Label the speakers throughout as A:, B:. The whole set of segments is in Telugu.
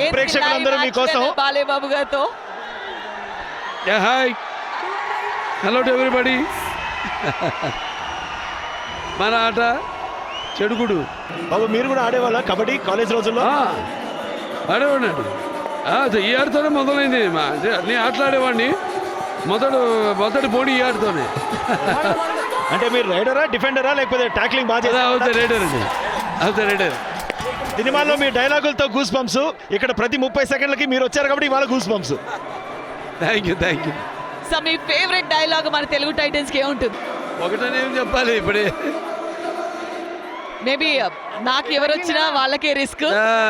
A: ప్రేక్షకులందరూ మీకోసం.
B: బాలేబాబు గారితో
C: హాయ్ హలో టు ఎవ్రీబడి. మన ఆట చెడుగుడు.
A: బాబు మీరు కూడా ఆడేవాళ్ళ కబడ్డీ కాలేజ్ రోజుల్లో?
C: ఆడేవాడినండి. ఈ ఆటతోనే మొదలైంది. నేను ఆటలాడేవాడిని. మొదటి పోటీ ఈ ఆటతోనే.
A: అంటే మీరు రైడరా డిఫెండరా లేకపోతే టాక్లింగ్ బాగా చేస్తారా?
C: అవుతాయి రైడర్ అండి, అవుతాయి రైడర్.
A: సినిమాల్లో మీ డైలాగులతో గూస్ బంప్స్, ఇక్కడ ప్రతి 30 సెకండ్లకి మీరు వచ్చారు కాబట్టి ఇవాళ goose bumps.
C: Thank you thank you.
B: So మీ ఫేవరెట్ డైలాగ్ మన తెలుగు టైటన్స్కి ఏముంటుంది?
C: ఒకటనే ఏం చెప్పాలి ఇప్పుడే.
B: మేబీ నాకు ఎవరు వచ్చినా వాళ్ళకే రిస్క్.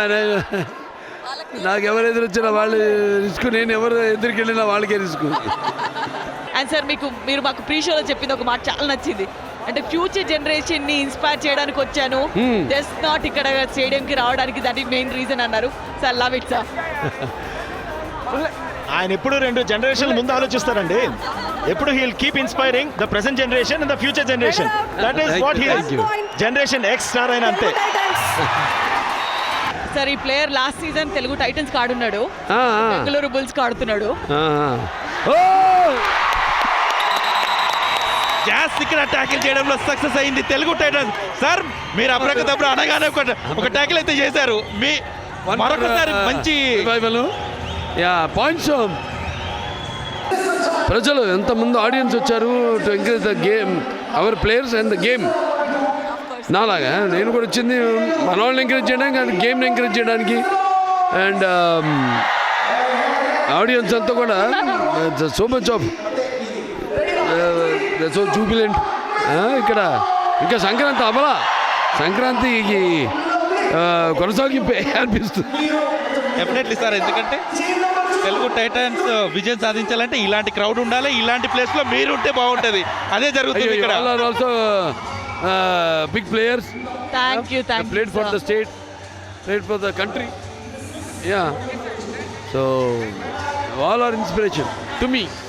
C: నాకు ఎవరు ఎదురొచ్చినా వాళ్ళు రిస్క్, నేను ఎవరు ఎదురుకి వెళ్ళినా వాళ్ళకే రిస్క్.
B: అండ్ సార్ మీరు మాకు ప్రీ షోలో చెప్పింది ఒక మాట చాలా నచ్చింది. అంటే ఫ్యూచర్ జనరేషన్ ని ఇన్స్పైర్ చేయడానికి వచ్చాను, జస్ట్ నాట్ ఇక్కడ స్టేడియం కి రావడానికి, దట్ ఈస్ మెయిన్ రీజన్ అన్నారు. Sir love it sir.
A: ఆయన ఎప్పుడు 2 జనరేషన్ల ముందు ఆలోచిస్తారండి. ఎప్పుడు he will keep inspiring the present generation and the future generation. That is what he is. Generation X star అయిన అంతే.
B: సార్ ఈ player last season Telugu Titans ఆడున్నాడు, బెంగళూరు బుల్స్ ఆడుతున్నాడు.
D: గ్యాస్ ఇక్కడ ట్యాకిల్ చేయడంలో సక్సెస్ అయింది తెలుగు టైటన్స్. సార్ మీరు అప్పటికప్పుడు అనగానే ఒక ట్యాకిల్ అయితే చేశారు. మీ మరొకసారి మంచి
C: పాయింట్స్. ప్రజలు ఎంతమంది ఆడియన్స్ వచ్చారు to encourage the game, our players and the game. నాలాగా నేను కూడా వచ్చింది మన వాళ్ళని ఎంకరేజ్ చేయడానికి అండ్ గేమ్ని ఎంకరేజ్ చేయడానికి. అండ్ ఆడియన్స్ అంతా కూడా so much of so jubilant. ఇక్కడ ఇంకా సంక్రాంతి సంక్రాంతికి కొనసాగింపే అనిపిస్తుంది.
D: డెఫినెట్లీ సార్, ఎందుకంటే తెలుగు టైటన్స్ విజయం సాధించాలంటే ఇలాంటి క్రౌడ్ ఉండాలి, ఇలాంటి ప్లేస్ లో మీరు ఉంటే బాగుంటది. అదే జరుగుతుంది ఇక్కడ.
C: Also big players.
B: Thank you
C: played for the state, played for the country. Yeah, so all are inspiration to me.